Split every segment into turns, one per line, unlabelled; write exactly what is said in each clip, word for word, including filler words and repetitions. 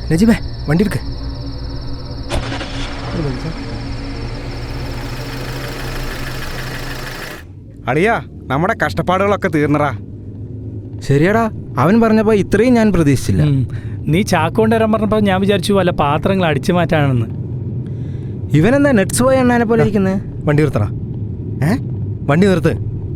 നജീബേ വണ്ടി എടുക്ക്.
അളിയാ നമ്മുടെ കഷ്ടപ്പാടുകളൊക്കെ തീർന്നറാ.
ശരിയാടാ, അവൻ പറഞ്ഞപ്പോൾ ഇത്രയും ഞാൻ പ്രതീക്ഷിച്ചില്ല.
നീ ചാക്കോണ്ട് വരാൻ പറഞ്ഞപ്പോൾ ഞാൻ വിചാരിച്ചു വല്ല പാത്രങ്ങൾ അടിച്ചു മാറ്റാണെന്ന്.
ഇവനെന്താ നെറ്റ്സ് പോയ എണ്ണാനെ പോലെ ഇരിക്കുന്നത്? വണ്ടി നിർത്തണ. ഏ വണ്ടി നിർത്ത്.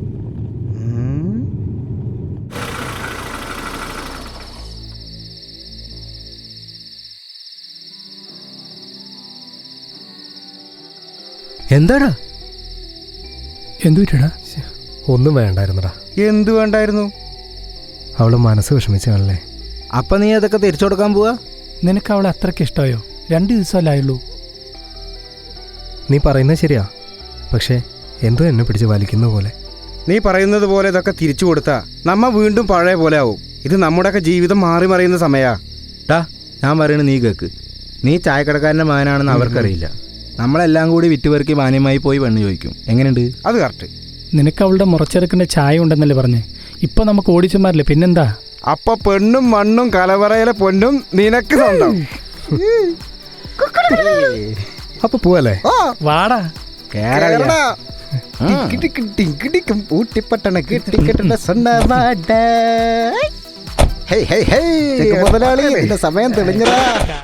എന്താടാ?
എന്തു പറ്റടാ?
ഒന്നും വേണ്ടായിരുന്നടാ.
എന്തു വേണ്ടായിരുന്നു?
അവള് മനസ്സ് വിഷമിച്ചു കാണല്ലേ. അപ്പൊ നീ അതൊക്കെ തിരിച്ചു കൊടുക്കാൻ പോവാ?
നിനക്ക് അവളെ അത്രയ്ക്ക് ഇഷ്ടമായോ? രണ്ട് ദിവസമല്ലായുള്ളൂ.
നീ പറയുന്നത് ശരിയാ, പക്ഷേ എന്തോ എന്നെ പിടിച്ച് വലിക്കുന്ന പോലെ.
നീ പറയുന്നത് പോലെ ഇതൊക്കെ തിരിച്ചു കൊടുത്താ നമ്മ വീണ്ടും പഴയ പോലെ ആവും. ഇത് നമ്മുടെയൊക്കെ ജീവിതം മാറി മറിയുന്ന സമയാ.
ടാ, ഞാൻ പറയണ നീ കേക്ക്. നീ ചായക്കടക്കാരൻ്റെ മകനാണെന്ന് അവർക്കറിയില്ല. നമ്മളെല്ലാം കൂടി വിറ്റുപെറുക്കി മാന്യമായി പോയി പെണ്ണ് ചോദിക്കും. എങ്ങനെയുണ്ട്?
അത് കറക്റ്റ്.
നിനക്ക് അവളുടെ മുറച്ചെറുക്കിൻ്റെ ചായ ഉണ്ടെന്നല്ലേ പറഞ്ഞേ? ഇപ്പൊ നമുക്ക് ഓടിച്ചമാരില്ലേ, പിന്നെന്താ?
അപ്പൊ പെണ്ണും മണ്ണും കലവറയിലെ പൊന്നും നിനക്ക് സ്വന്തം.
അപ്പൊ പോവല്ലേ?
വാടാ.
ഊട്ടിപ്പട്ടണ കിട്ടിക്കെട്ട മുതലാളി, സമയം തെളിഞ്ഞതാ.